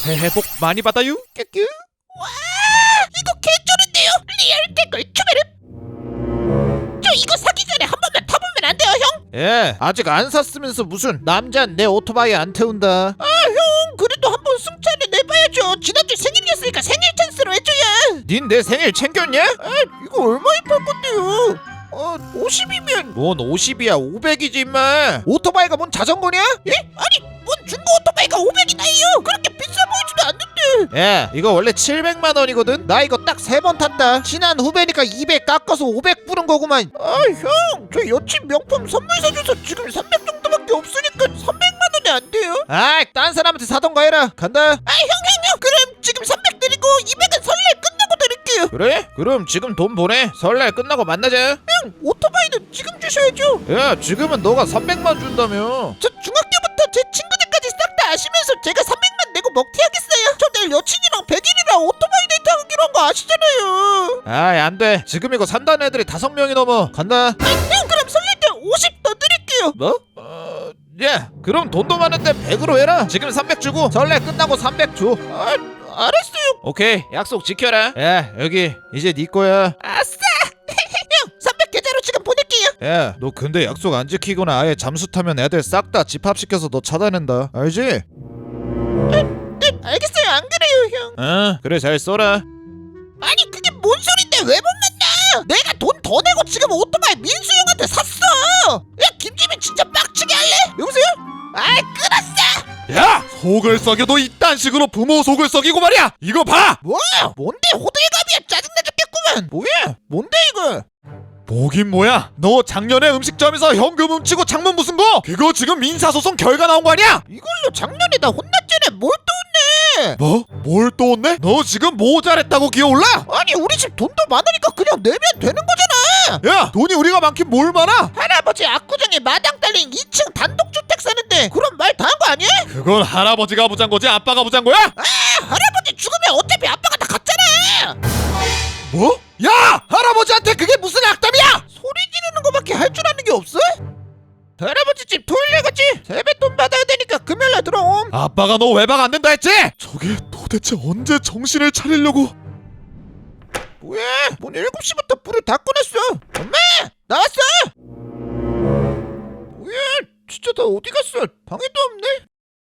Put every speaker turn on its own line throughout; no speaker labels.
새해 복 많이 받아요.
큐큐. 와, 이거 개쩌는데요. 리얼 댓글 추베르. 저 이거 사기 전에 한 번만 타보면 안 돼요, 형?
예, 아직 안 샀으면서 무슨 남자는 내 오토바이 안 태운다.
아, 형, 그래도 한번 승차를 내봐야죠. 지난주 생일이었으니까 생일 찬스로 해줘야.
닌 내 생일 챙겼냐?
아, 이거 얼마에 팔 건데요? 50이면
뭔 50이야 500이지 임마. 오토바이가 뭔 자전거냐?
예? 아니, 뭔 중고 오토바이가 500이나요? 그렇게 비싸 보이지도 않는데.
예, 이거 원래 700만 원이거든. 나 이거 딱 3번 탔다. 친한 후배니까 200 깎아서 500 부른 거구만.
아, 형, 저 여친 명품 선물 사줘서 지금 300 정도밖에 없으니까 300만 원에 안 돼요?
아이, 딴 사람한테 사던가 해라. 간다.
아, 형, 그럼 지금 300 드리고 200은 설날 끝나고 드릴게요.
그래? 그럼 지금 돈 보내. 설날 끝나고 만나자.
형, 오토바이는 지금 주셔야죠.
야, 지금은 너가 300만 준다며.
저 중학교부터 제 친구들까지 싹 다 아시면서 제가 300만 내고 먹튀하겠어요? 저 내일 여친이랑 100일이라 오토바이 데이트 하기로 한 거 아시잖아요.
아이, 안 돼. 지금 이거 산다는 애들이 5명이 넘어. 간다.
형, 그럼 설날 때 50 더 드릴게요.
뭐? 야, 그럼 돈도 많은데 100으로 해라. 지금 300 주고 설날 끝나고 300 줘.
아, 알았어요.
오케이, 약속 지켜라. 야, 여기 이제 네 거야.
아싸. 형, 300 계좌로 지금 보낼게요.
야, 너 근데 약속 안 지키거나 아예 잠수 타면 애들 싹 다 집합시켜서 너 차단한다. 알지?
네, 알겠어요. 안 그래요, 형.
그래, 잘 써라.
아니, 그게 뭔 소린데 왜 못 만나? 내가 돈 더 내고 지금 오토바이 민수 형한테 샀어. 야, 김지민 진짜 빡치게 할래? 여보세요? 아이, 끊었어.
야, 속을 썩여도 이딴 식으로 부모 속을 썩이고 말이야. 이거 봐.
뭐야? 뭔데 호들갑이야? 짜증나 죽겠구만.
뭐야? 뭔데 이거?
뭐긴 뭐야. 너 작년에 음식점에서 현금 훔치고 창문 부순 거 그거 지금 민사소송 결과 나온 거 아니야?
이걸로 작년에 나 혼났잖아. 뭘 또 혼내?
뭐? 뭘 또 혼내? 너 지금 모자랬다고 기어올라?
아니, 우리 집 돈도 많으니까 그냥 내면 되는 거잖아.
야, 돈이 우리가 많긴 뭘 많아?
할아버지 압구정에 마당 딸린 2층 단독주택 사는데 그런 말 다 한 거 아니야?
그건 할아버지가 부잔 거지 아빠가 부잔 거야?
아, 할아버지 죽으면 어차피 아빠가 다 갔잖아.
뭐? 야! 할아버지한테 그게 무슨 악담이야!
소리 지르는 거밖에 할 줄 아는 게 없어? 할아버지 집 토요일에 갔지? 세뱃돈 받아야 되니까 금요일에 들어옴.
아빠가 너 외박 안 된다 했지? 저게 도대체 언제 정신을 차리려고?
뭐야? 뭔 7시부터 불을 다 꺼냈어. 엄마! 나왔어! 뭐야? 진짜 다 어디 갔어? 방에도 없네?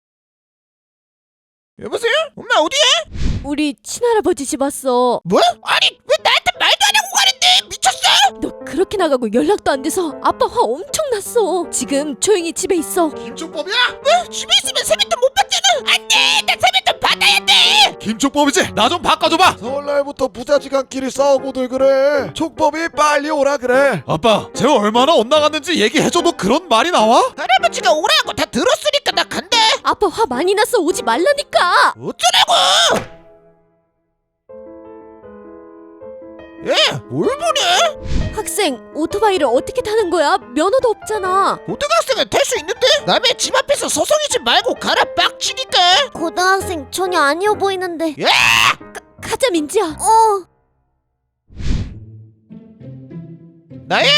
여보세요? 엄마 어디야?
우리 친할아버지 집 왔어.
뭐? 아니, 왜 나한테 말도 안 하고 가는데? 미쳤어?
너 그렇게 나가고 연락도 안 돼서 아빠 화 엄청 났어. 지금 조용히 집에 있어.
김초법이야?
뭐? 집에 있으면 세뱃돈 못 받잖아. 안 돼! 나 세뱃돈 받아야 돼!
김초법이지? 나 좀 바꿔줘봐!
설날부터 부자지간끼리 싸우고들 그래. 촉법이 빨리 오라 그래.
아빠, 쟤 얼마나 엇나갔는지 얘기해줘도 그런 말이 나와?
할아버지가 오라고 다 들었으니까 나 간다.
아빠 화 많이 났어. 오지 말라니까.
어쩌라고! 야, 뭘 보냐?
학생, 오토바이를 어떻게 타는 거야? 면허도 없잖아.
고등학생은 탈 수 있는데? 남의 집 앞에서 서성이지 말고 가라 빡치니까.
고등학생 전혀 아니어 보이는데.
야!
가자 민지야.
나야?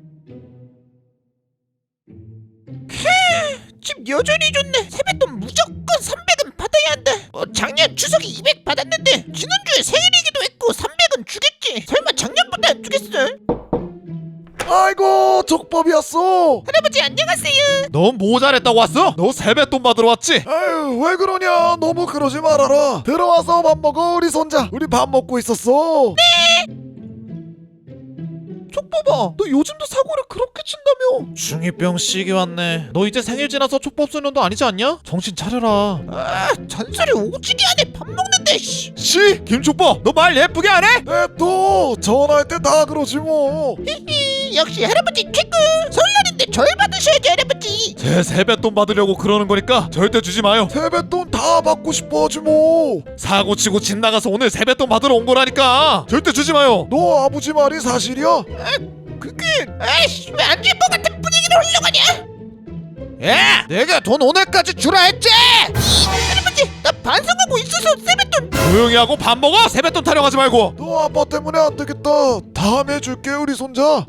집 여전히 좋네. 세뱃돈 무조건 300은 받아야 한다. 작년 추석에 200 받았는데 지난주에 생일이기도 했고 300은 주겠지. 설마 작년보다 안 주겠어?
아이고, 촉법이었어.
할아버지 안녕하세요.
넌 모자랬다고 왔어? 너 세뱃돈 받으러 왔지?
아유, 왜 그러냐. 너무 그러지 말아라. 들어와서 밥 먹어, 우리 손자. 우리 밥 먹고 있었어.
촉법아, 너 요즘도 사고를 그렇게 친다며?
중2병 시기 왔네. 너 이제 생일 지나서 촉법 소년도 아니지 않냐? 정신 차려라.
아, 잔소리 오지게 하네. 밥 먹는데. 씨.
씨! 김초법, 너 말 예쁘게 안 해?
또 전화할 때 다 그러지 뭐.
역시 할아버지 최고. 설날인데 절 받으셔야지 할아버지.
제 세뱃돈 받으려고 그러는 거니까 절대 주지 마요.
세뱃돈 다 받고 싶어 하지 뭐.
사고 치고 집 나가서 오늘 세뱃돈 받으러 온 거라니까. 절대 주지 마요.
너 아버지 말이 사실이야?
그게 아이씨 왜 안 줄 것 같은 분위기를 흘려가냐?
야, 내가 돈 오늘까지 주라 했지.
할아버지 나 반성하고 있어서 세뱃돈.
조용히 하고 밥 먹어. 세뱃돈 타령하지 말고.
너 아빠 때문에 안 되겠다. 다음에 줄게, 우리 손자.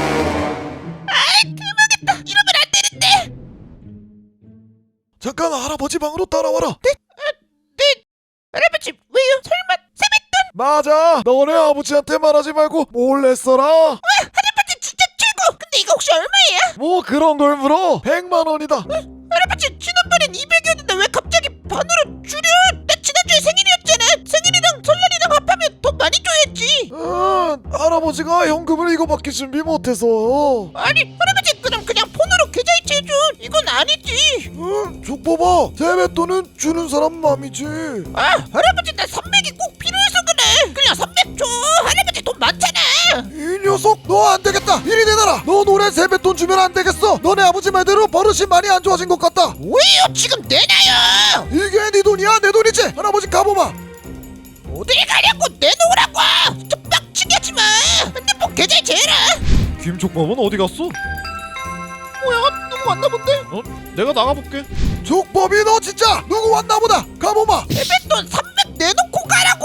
대박이다. 이러면 안 되는데.
잠깐 할아버지 방으로 따라와라. 네?
할아버지 왜요? 설마 세뱃돈?
맞아. 너네 아버지한테 말하지 말고 몰래 써라.
할아버지 진짜 최고. 근데 이거 혹시 얼마예요?
뭐 그런 걸 물어. 100만 원이다.
할아버지 지난번엔 200이었는데 왜 갑자기 반으로 줄여? 나 지난주에 생일이었잖아. 생일이랑 설날이랑 합하면 더 많이 줘야지.
할아버지가 현금을 이거밖에 준비 못해서.
아니 할아버지 그럼 그냥 폰으로 계좌이체 해줘. 이건 아니지.
족봐봐. 세뱃돈은 주는 사람 맘이지.
아 할아버지 나 300이 꼭 필요해서 그래. 그냥 300 줘. 할아버지 돈 많잖아.
이 녀석 너 안 되겠다. 이리 내놔라. 너 노래 세뱃돈 주면 안 되겠어. 너네 아버지 말대로 버릇이 많이 안 좋아진 것 같다.
왜요? 지금 내놔요.
이게 네 돈이야 내 돈이지. 할아버지 가보마.
어딜 가냐고 내놓으라고. 진짜 빡치게 하지 마. 핸드폰 계좌이체 해라.
김족밥은 어디 갔어?
뭐야? 누구 왔나 본데?
내가 나가볼게. 족밥이 너 진짜 누구 왔나 보다. 가보마.
세뱃돈 300 내놓고 가라고.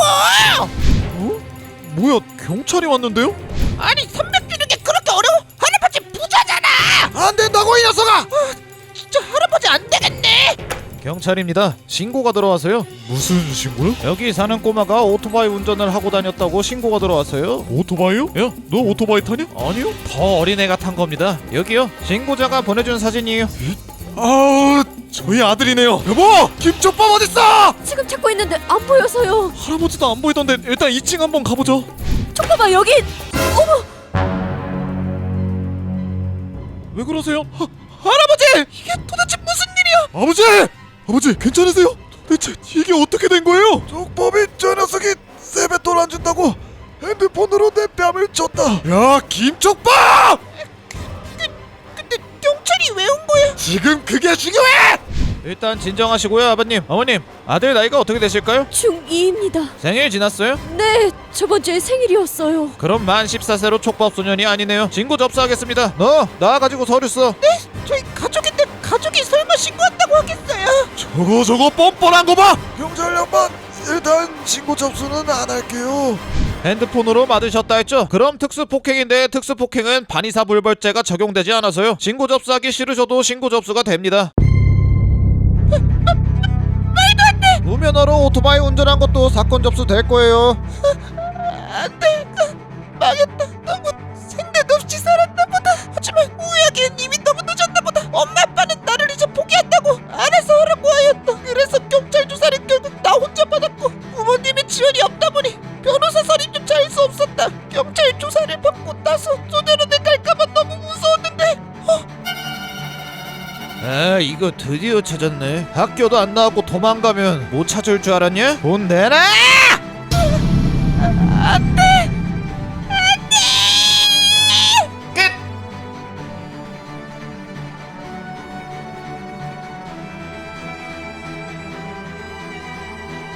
뭐야 경찰이 왔는데요?
아니 300 주는 게 그렇게 어려워? 할아버지 부자잖아.
안 된다고 이 녀석아.
진짜 할아버지 안 되겠네.
경찰입니다. 신고가 들어와서요.
무슨 신고요?
여기 사는 꼬마가 오토바이 운전을 하고 다녔다고 신고가 들어왔어요.
오토바이요? 야, 너 오토바이 타냐?
아니요. 더 어린애가 탄 겁니다. 여기요. 신고자가 보내준 사진이에요.
아우, 저희 아들이네요. 여보, 김초밥 어딨어?
지금 찾고 있는데 안 보여서요.
할아버지도 안 보이던데 일단 2층 한번 가보죠.
촉봐봐 여기.
왜 그러세요? 할아버지! 이게 도대체 무슨 일이야? 아버지! 아버지 괜찮으세요? 도대체 이게 어떻게 된 거예요? 족밥이 저 녀석이 세뱃돈 안 준다고 핸드폰으로 내 뺨을 쳤다. 야, 김족밥!
근데 경찰이 왜 온 거야?
지금 그게 중요해!
일단 진정하시고요, 아버님. 어머님, 아들 나이가 어떻게 되실까요?
중2입니다.
생일 지났어요?
네, 저번 주에 생일이었어요.
그럼 만 14세로 촉밥 소년이 아니네요. 신고 접수하겠습니다. 너 나와가지고 서류 써.
저희 가족인데 가족이 설마 신고한다고 하겠어요?
저거 뻔뻔한 거 봐! 경찰 양반, 일단 신고 접수는 안 할게요.
핸드폰으로 받으셨다 했죠? 그럼 특수폭행인데 특수폭행은 반의사불벌죄가 적용되지 않아서요. 신고 접수하기 싫으셔도 신고 접수가 됩니다.
말도 안 돼.
무면허로 오토바이 운전한 것도 사건 접수될 거예요.
안 돼. 망했다. 너무 생각 없이 살았나 보다. 하지만 후회하기엔 이미 너무 늦었나 보다. 엄마 아빠는 나를 이제 포기한다고 알아서 하라고 하였다. 그래서 경찰 조사를 결국 나 혼자 받았고 부모님의 지원이 없다 보니 변호사 선임조차 할 수 없었다. 경찰 조사를 받고 나서 소년원에 갈까봐 너무 무서웠는데
아, 이거 드디어 찾았네. 학교도 안 나왔고 도망가면 못 찾을 줄 알았냐? 돈 내놔!
안 돼.